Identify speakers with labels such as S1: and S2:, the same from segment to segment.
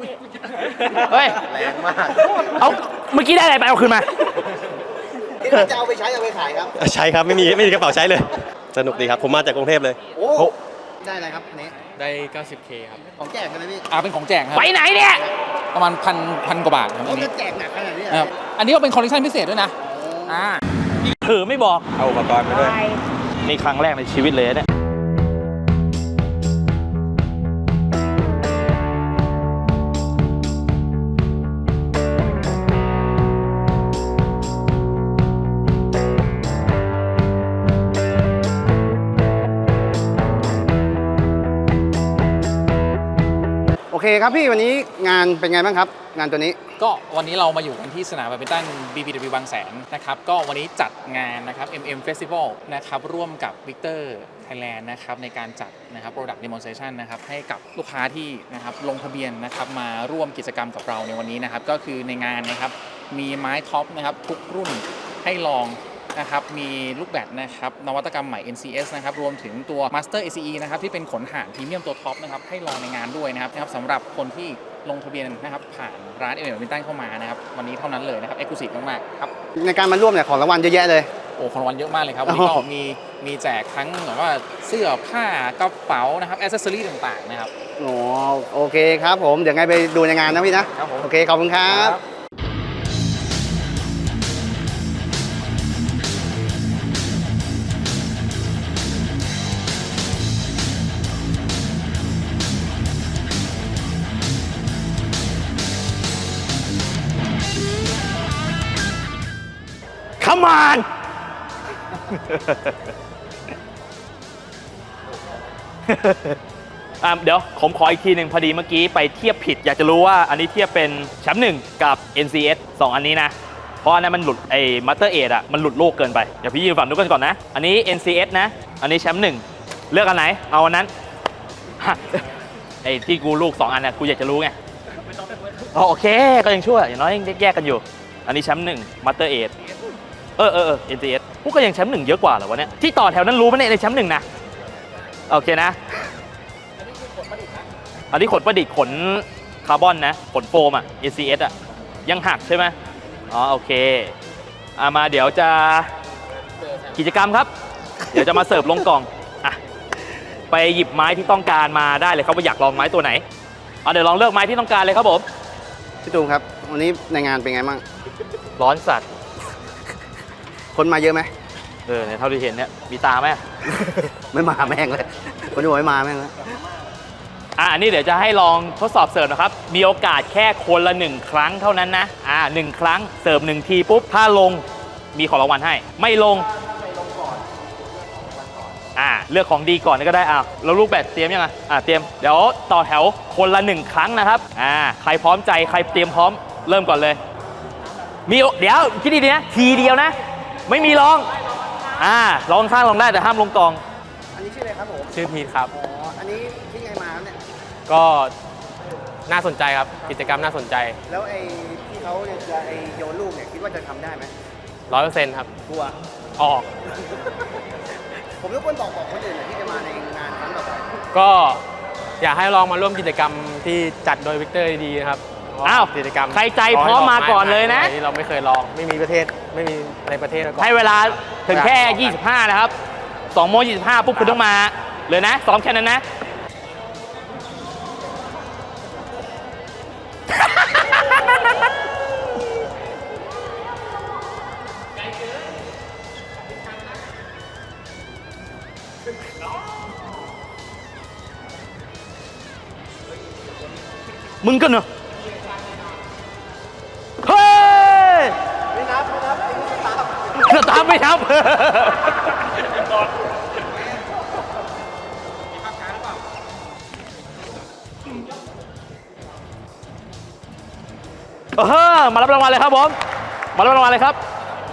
S1: เฮ้ย
S2: แรงมาก
S1: เอาเมื่อกี้ได้อะไรไปเอาคืนมา
S2: ที่จะเอาไปใช้เอาไปขายครับ
S3: ใช่ครับไม่มีกระเป๋าใช้เลย สนุกดีครับผมมาจากกรุงเทพเลย
S2: โอ้ได้อะไรครับอันนี้
S4: ได้ 90K ครับ
S2: ของแจกกันเลยพี่
S4: เป็นของแจกครับ
S1: ไปไหนเนี่ย
S4: ประมาณพันกว่าบาทครับ
S2: เขา
S4: อันนี้
S2: จะแจกหนักขนาดนี้
S4: ครับอันนี้ก็เป็นคอลเลคชันพิเศษด้วยนะ
S1: ถือไม่บอก
S3: เอาอุปกรณ์มาด้วย
S1: นี่ครั้งแรกในชีวิตเลยเนี่ย
S2: โอเคครับพี่วันนี้งานเป็นไงบ้างครับ งานตัวนี้
S4: ก็วันนี้เรามาอยู่กันที่สนามแบดมินตัน BBW บางแสนนะครับก็วันนี้จัดงานนะครับ MM Festival นะครับร่วมกับ Victor Thailand นะครับในการจัดนะครับ Product Demonstration นะครับให้กับลูกค้าที่นะครับลงทะเบียนนะครับมาร่วมกิจกรรมกับเราในวันนี้นะครับก็คือในงานนะครับมีไม้ท็อปนะครับทุกรุ่นให้ลองนะครับมีลูกแบดนะครับนวัตกรรมใหม่ NCS นะครับรวมถึงตัว Master ACE นะครับที่เป็นขนห่านพรีเมียมตัวท็อปนะครับให้ลองในงานด้วยนะครับสำหรับคนที่ลงทะเบียนนะครับผ่านร้านเอเมอร์มินตันเข้ามานะครับวันนี้เท่านั้นเลยนะครับ Exclusive มากๆครับ
S2: ในการมาร่วมเนี่ยของรางวัลเยอะแยะเลย
S4: โอ้ของรางวัลเยอะมากเลยครับวันนี้ก็มีแจกทั้งแบบว่าเสื้อผ้ากระเป๋านะครับแอ c เซสซอรี่ต่างๆนะครับ
S2: อ๋อโอเคครับผมเดี๋ยวไงไปดูในงานนะพี่นะ
S4: ครับผม
S2: โอเคขอบคุณครับ
S1: Come on เดี๋ยวผมขออีกทีหนึ่งพอดีเมื่อกี้ไปเทียบผิดอยากจะรู้ว่าอันนี้เทียบเป็นแชมป์1กับ NCS 2 อันนี้นะเพราะอันนั้นมันหลุดไอ้ Master 8มันหลุดโลกเกินไปเดี๋ยวพี่ยืนฝั่งนู้นกันก่อนนะอันนี้ NCS นะอันนี้แชมป์1เลือกอันไหนเอาอันนั้น ไอ้ที่กูลูก2อันนะกูอยากจะรู้ไงโอเคก็ยังชั่วอย่างน้อยยังแยกกันอยู่อันนี้แชมป์1 Master 8NCS พวกก็ยังแชมป์1เยอะกว่าเหรอวะเนี่ยที่ต่อแถวนั้นรู้ไหมเนี่ยในแชมป์1นะโอเคนะอันนี้ขนประดิษฐ์ขนคาร์บอนนะขนโฟมNCS ยังหักใช่ไหมโอเคมาเดี๋ยวจะกิจกรรมครับ เดี๋ยวจะมาเสิร์ฟลงกล่องไปหยิบไม้ที่ต้องการมาได้เลยครับว่าอยากลองไม้ตัวไหนเดี๋ยวลองเลือกไม้ที่ต้องการเลยครับผม
S2: พี่ตูมครับวันนี้ในงานเป็นไงบ้าง
S1: ร้อนสัตว์
S2: คนมาเยอะไหม
S1: เนี่ยเท่าที่เห็นเนี่ยมีตาไหม
S2: ไม่มาแม่งเลยคนที่บอกไม่มาแม่งเลย
S1: อันนี้เดี๋ยวจะให้ลองทดสอบเสิร์ฟนะครับมีโอกาสแค่คนละ1ครั้งเท่านั้นนะ1ครั้งเสิร์ฟ1ทีปุ๊บถ้าลงมีของรางวัลให้ไม่ลงเลือกของดีก่อนก็ได้แล้วลูกแบดเตรียมยังเตรียมเดี๋ยวต่อแถวคนละ1ครั้งนะครับใครพร้อมใจใครเตรียมพร้อมเริ่มก่อนเลยเดี๋ยวคิดดีๆนะทีเดียวนะไม่มีลองลองข้างลองได้แต่ห้ามลงกอง
S2: อันนี้ชื่ออะไรครับผม
S4: ชื่อพีทครับ
S2: อันนี้ที่ไงมาครับเนี่ย
S4: ก็น่าสนใจครับกิจกรรมน่าสนใจ
S2: แล้วไอ้ที่เขาจะโยนลูกเนี่ยคิดว่าจะทำได้ไหม
S4: 100%ครับ
S2: กลัว
S4: ออก
S2: ผมรบกวนบอกคนอื่นหน่อยที่จะมาในงานครั้งต่อไป
S4: ก็อยากให้ลองมาร่วมกิจกรรมที่จัดโดยวิกเตอร์ดีๆนะครับกิจกรรม
S1: ใครใจพร้อมมาก่อนเลยนะ
S4: ที่เราไม่เคยลองไม่มีในประเทศมาก่อน
S1: ให้เวลาถึงแค่ 25 นะครับ2 โมง 25 ปุ๊บคุณต้องมาเลยนะซ้อมแค่นั้นนะ มึงกันเหรอเฮ้ยไม่นับไม่นับมารับรางวัลเลยครับผมมารับรางวัลเลยครับ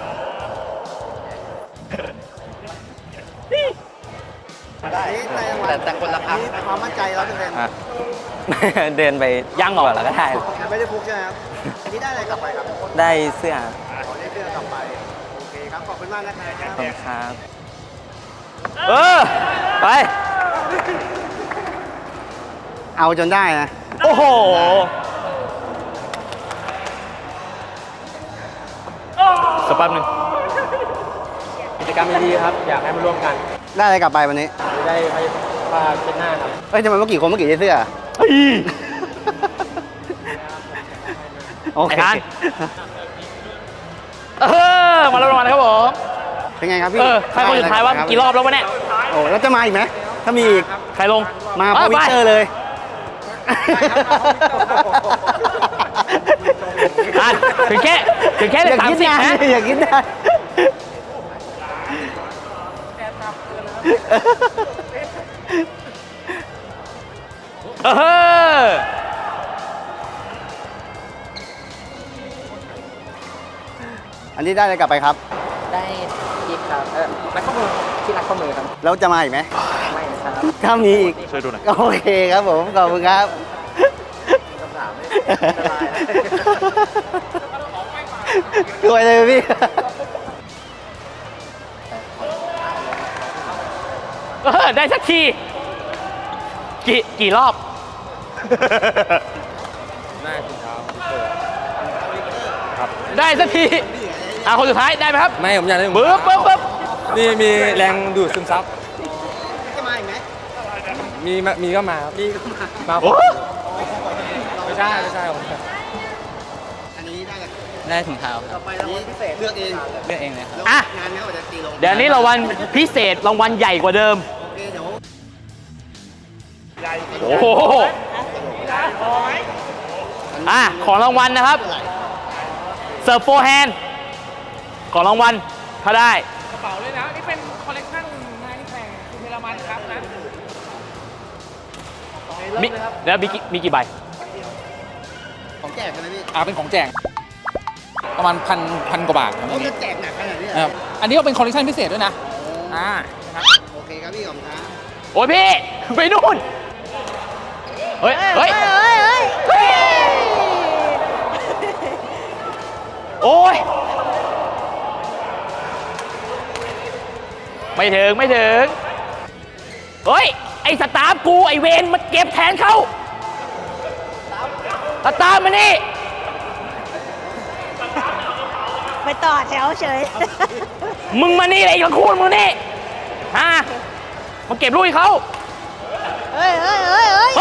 S2: แต่คนละครั้งความมั่นใจ100%
S5: เดินไป
S1: ยังเหรอ
S5: แล้วก็ได้
S2: ไม่ได้ฟุกใช่ไหมครับอันนี้ได้อะไรกลับไปครับ
S5: ได้เสื้อ
S2: ได้เสื้อกลับไปโอเคครับขอบคุณมากนะครับ
S5: ขอบคุณครับ
S1: ไป
S2: เอาจนได้นะ
S1: โอ้โห
S5: กรรมดีๆครับ อยากให้มาร่วมกัน
S2: ได้อะไรกลับไปวันนี้
S5: ได้ผ้าเช็ดหน้าครับ
S2: เฮ้ยทำไมเมื่อกี้คนเมื่อกี้ใส่เสื้อ
S1: เฮ้ย
S2: โอเค
S1: ไอ้ฮัน มาแล้วรางวัลนะครับผม
S2: เป็นไงครับพี่
S1: ใครคนสุดท้ายว่ากี่รอบแล้ววะเนี่ย
S2: โอ้แล้วจะมาอีกไหมถ้ามีอีก
S1: ใครลง
S2: มาพอวิกเตอร์เลย
S1: อ่ะถึงแค่เล
S2: อย ยาก
S1: สาม
S2: คิด
S1: สิบ
S2: นาน
S1: นะ
S2: อยากคิดนาน
S1: เออ
S2: อันนี้ได้อะไรกลับไปครับ
S5: ได้ยิปครับรักข้อมือที่รักข้อมือครับ
S2: แล้วจะมาอีกไหม
S5: ไม่นะครับ
S2: ถ้ามีอีก
S1: ช่วยดูหน่อย
S2: โอเคครับผม ขอบคุณครับ ช่วยเลยพี่
S1: ได้สักที กี่รอบ ได้สักทีคนสุดท้ายได้ไหมครับ
S5: ไม่ผมอยากได้
S1: ปึ๊บ
S5: นี่มีแรงดูดซึมซับ
S2: จะมาอีกไหม
S5: มีก็มาครับมา
S1: โอ้
S5: ไม่ใช่ผม
S2: อันนี้ได้กัน
S5: ได้ถุงเท้าค
S2: ต่
S5: รั
S2: อบ ไปรางวัลพิเศษเลือกเอง
S5: เลือกเองเลยครับ
S2: แล้ว
S1: อ่ะ
S2: งานนี้เขาจะตีลง
S1: เดี๋ยวนี้รางวัลพิเศษรางวัลใหญ่กว่าเดิม
S2: โอเคเดี๋ยว
S1: โอ้โหของรางวัลนะครับเสิร์ฟโฟร์แฮนด์ของรางวัลถ้าได้
S4: กระเป๋าเลยนะ นี่เป็นคอลเลกชันงานที่แข่งคุณเทเลมันครับนะ
S1: แล้วมีกี่ใบ
S2: ของแจกกันนะพี่
S4: เป็นของแจกประมาณพันกว่าบาทครับ
S2: เขาจะแจกหนักขนาดนี้เหรอ
S4: นะครับอันนี้ก็เป็นคอลเลกชันพิเศษด้วยนะนะครับ
S2: โอเคครับพี่ขอบคุณครับ
S1: โอ้ยพี่ ไปนู่น เฮ้ยโอ้ย ไม่ถึง เฮ้ย ไอ้สตาฟกู ไอ้เวนมาเก็บแทนเขาสตาฟมานี่
S6: ไปต่อแถวเฉย
S1: มึงมานี่เลยไอ้ละคุณมึงนี่มาเก็บลูกให้เขา
S6: เฮ้ย
S1: เฮ้ย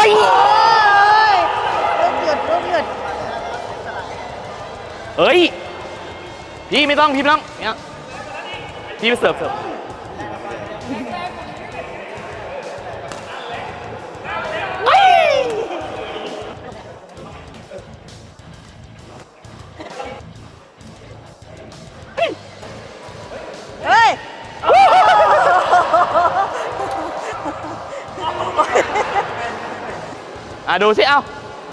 S6: ลูกหยุด
S1: เฮ้ย พี่ไม่ต้องเนี่ยพี่ไปเสิร์ฟเฮ้ย
S6: เฮ้ย
S1: ดูสิ เอา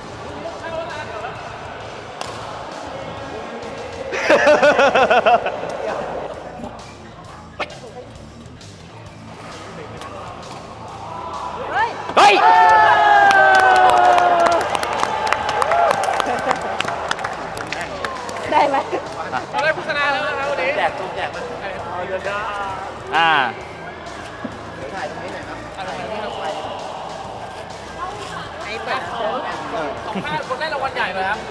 S1: เฮ้ย
S6: ได้ไหม
S4: เราได้ผู้ชนะแล้วนะครับวันนี้
S5: แจก
S1: อ่า
S4: สัมภาษณ์คนได้รางวัลใหญ่เลยครับ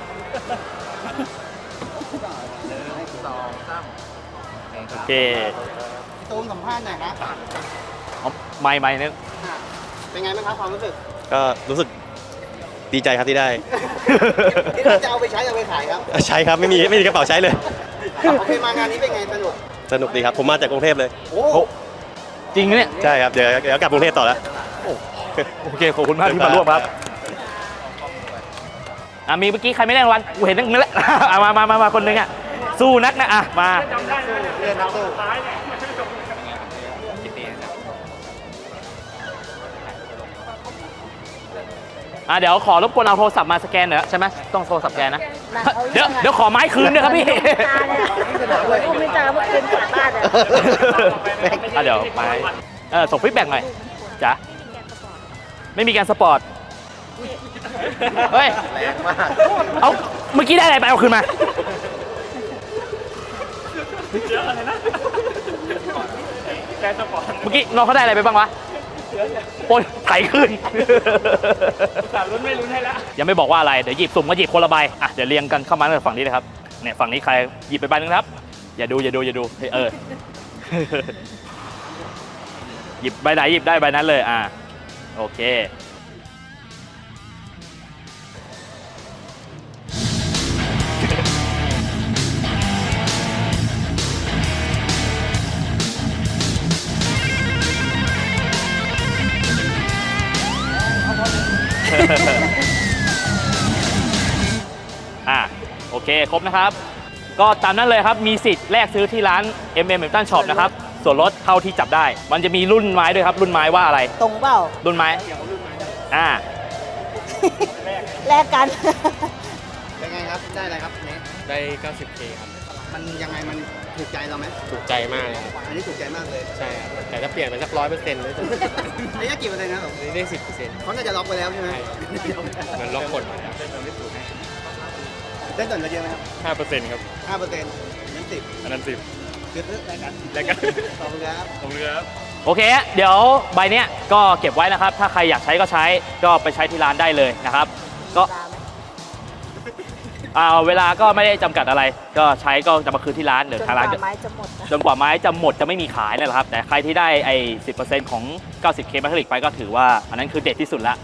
S1: โอเค
S2: พี่ตูนสัมภาษณ์หน่อยครับ
S1: ไม่นึก
S2: เป็นไงบ้างครับความรู้สึก
S3: ก็รู้สึกดีใจครับที่ได้
S2: ที่เราจะเอาไปใช้เอาไปขายครับ
S3: ใช้ครับไม่มีกระเป๋าใช้เลย
S2: โอเคมางานนี้เป็นไงสนุก
S3: สนุกดีครับ ผมมาจากกรุงเทพเลย
S2: โอ้
S1: จริงเนี่ย
S3: ใช่ครับ เดี๋ยวกลับกรุงเทพต่อแล้ว
S1: โอเค ขอบคุณมากที่มาร่วมครับ มีเมื่อกี้ใครไม่ได้รางวัลกูเห็นนั่นแหละ มาคนหนึงสู้นักนะมา
S2: เรียนนักสู้
S1: เดี๋ยวขอรบกวนเอาโทรศัพท์มาสแกนหน่อยใช่ไหมต้องโทรศัพท์แกนนะ เดี๋ยวขอไม้คืนด้วยครับพี่
S6: ลูกไม่ตาเมื่อคืนกลับบ้านอ่ะ
S1: เดี๋ยวไม้ส่งฟีดแบ็กหน่อยจ้ะไม่มีการสปอร์ต เฮ้ย
S2: แรงมาก
S1: เอาเมื่อกี้ได้อะไรไปเอาคืนมา เมื่อกี้น้องเขาได้อะไรไปบ้างวะโอ้ยไถขึ้นลุ้นไม่ลุ้นให้แล้วยังไม่บอกว่าอะไร เดี๋ยวหยิบสุ่มก็หยิบคนละใบเดี๋ยวเรียงกันเข้ามาในฝั่งนี้เลยครับเนี่ยฝั่งนี้ใครหยิบไปใบหนึงครับ อย่าดูเฮ้ยหยิบใบไหนหยิบได้ใบนั้นเลยโอเค โอเคครบนะครับ ก็ตามนั้นเลยครับมีสิทธิ์แลกซื้อที่ร้าน Milton Shop นะครับส่วนลดเท่าที่จับได้ มันจะมีรุ่นไม้ด้วยครับรุ่นไม้ว่าอะไร
S6: ตรงเปล่า
S1: รุ่นไม้อ่า
S6: แลกกัน
S2: เป็นไงครับ ได้อะไรครับเนส
S3: ได้ 90K ครับ
S2: มันยังไงมันถูกใจเราไหม
S3: ถูกใจมากเลยครับ
S2: อันนี้ถูกใจมากเลย
S3: ใช่ครับ แต่ถ้าเปลี่ยนไปสัก100%เลยจะ
S2: ระยะกี่เปอร์เซ็นต์นะครับ
S3: ได้ 10%
S2: เขาน่าจะล็อกไปแล้วใช่ไหม
S3: มันล็อกกดมา
S2: ได้ส่วนลดเยอะไหมครับ
S3: 5%ครับ
S2: 5%นั้น10
S3: อันนั้น
S2: คือเลือกรายการ
S3: 10แล้วกัน
S2: ขอบคุณครับ
S3: ขอบคุณครับ
S1: โอเคเดี๋ยวใบเนี้ยก็เก็บไว้นะครับ ถ้าใครอยากใช้ก็ใช้ก็ไปใช้ที่ร้านได้เลยนะครับ ก็เวลาก็ไม่ได้จำกัดอะไร ก็ใช้ก็จะมาคืนที่ร้านเดี๋ยวทางร้าน
S6: ไม้จะหมดนะ
S1: จนกว่าไม้จะหมดจะไม่มีขายนั่นแหละครับ แต่ใครที่ได้ไอ้ 10% ของ 90K แมทริกไปก็ถือว่าอันนั้นคือเด็ดที่สุดละ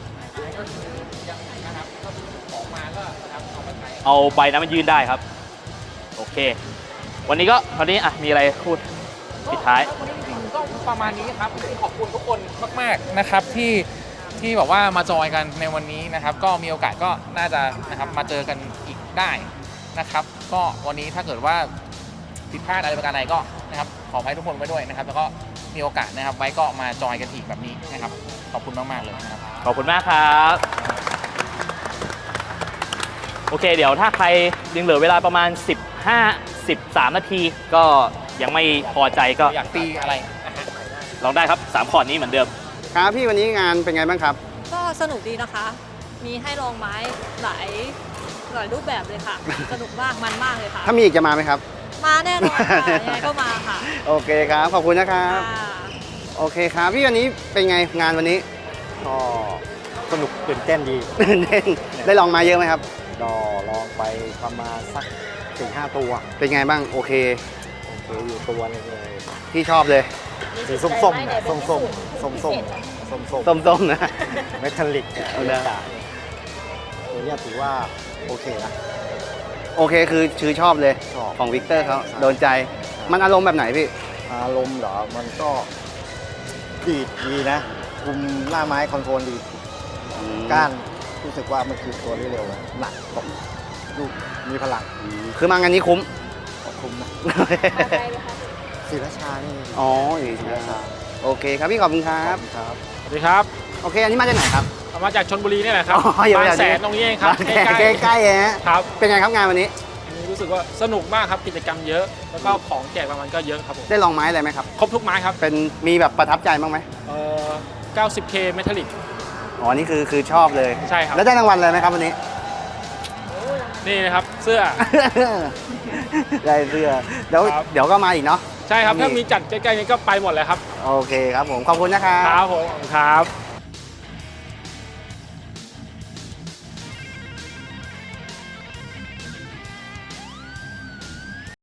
S1: เอาใบนั้นมันยืนได้ครับ โอเค วันนี้มีอะไรพูดปิดท้าย
S4: วันนี้จริงๆก็ประมาณนี้ครับขอบคุณทุกคนมากๆนะครับที่แบบว่ามาจอยกันในวันนี้นะครับ ก็มีโอกาสก็น่าจะนะครับมาเจอกันอีกได้นะครับ ก็วันนี้ถ้าเกิดว่าผิดพลาดอะไรประการใดก็นะครับขออภัยทุกคนไว้ด้วยนะครับ แล้วก็มีโอกาสนะครับไว้ก็มาจอยกันอีกแบบนี้นะครับขอบคุณมากๆเลยนะครับ
S1: ขอบคุณมากครับ โอเค เดี๋ยวถ้าใครยังเหลือเวลาประมาณ 13 นาที ก็ยังไม่พอใจก็
S4: อยากตีอะไร
S1: ลองได้ครับ 3 คอร์ดนี้เหมือนเดิม
S2: ครับพี่วันนี้งานเป็นไงบ้างครับ
S7: ก็สนุกดีนะคะ มีให้ลองไม้หลายรูปแบบเลยค่ะ สนุกมาก มันมากเลยค่ะ
S2: ถ้ามีอีกจะมาไหมครับ
S7: มาแน่นอนค่ะ ยังไงก็มาค่ะ
S2: โอเคครับ ขอบคุณนะครับ
S7: ค่ะ
S2: โอเคครับ พี่วันนี้เป็นไงงานวันนี้
S8: ก็สนุกตื่นเต้นดี
S2: ได้ลองมาเยอะไหมครับ
S8: ก็ลองไปประมาณสัก 4-5 ตัว
S2: เป็นไงบ้างโอเค
S8: โอเคอยู่ตัวหนึงเลย
S2: ที่ชอบเลย
S8: สีส้มๆนะส้มๆส้มๆส้มๆ
S2: ส้มๆนะ
S8: เมทัลลิก
S2: เอาเลย
S8: ตัวเนี้ยถือว่าโอเคนะ
S2: โอเคคือชอบเลย
S8: ชอบ
S2: ของวิกเตอร์เขาโดนใจ มันอารมณ์แบบไหนพี่
S8: อารมณ์เหรอ มันก็ดีนะ คุมหน้าไม้คอนโทรลดี ก้านรู้สึกว่ามันคือตัวที่เร็วนะหนักตกลูกมีพลัง
S2: คือมางานนี้คุ้ม
S8: คุมนะศรีราชานี่
S2: อ๋ออยู่
S8: ศรี
S2: ที่
S8: ราชา
S2: โอเคครับพี่ขอบคุณครับ
S8: ครับ
S9: สวัสดีครับ
S2: โอเค อันนี้มาจากไหนครับ
S9: มาจากชลบุรีนี่แหละครับ
S2: อ๋ออยู่
S9: บาง
S2: แถวนี้
S9: แสนตรงนี้เองครับ
S2: ใกล้ๆฮะ
S9: ครับ
S2: เป็นไงครับงานวันนี้
S9: อันนี้รู้สึกว่าสนุกมากครับกิจกรรมเยอะ แล้วก็ของแจกรางวัลก็เยอะครับผม
S2: ได้ลองไม้อะไรไหมครับ
S9: ครบทุกไม้ครับ
S2: เป็นมีแบบประทับใจบ้างไหม
S9: 90K เมทัลลิก
S2: อ๋อ นี่คือชอบเลย
S9: ใช่ครับ
S2: แล้วได้รางวัลอะไรไหมครับวันนี้
S9: นี่นะครับเสื้อ
S2: ได้เสื้อเดี๋ยวก็มาอีกเนาะ
S9: ใช่ครับ
S2: มี
S9: ถ้ามีจัดใกล้ๆนี้ก็ไปหมดเลยครับ
S2: โอเคครับผม ขอบคุณนะครับ
S9: ครับผมครับ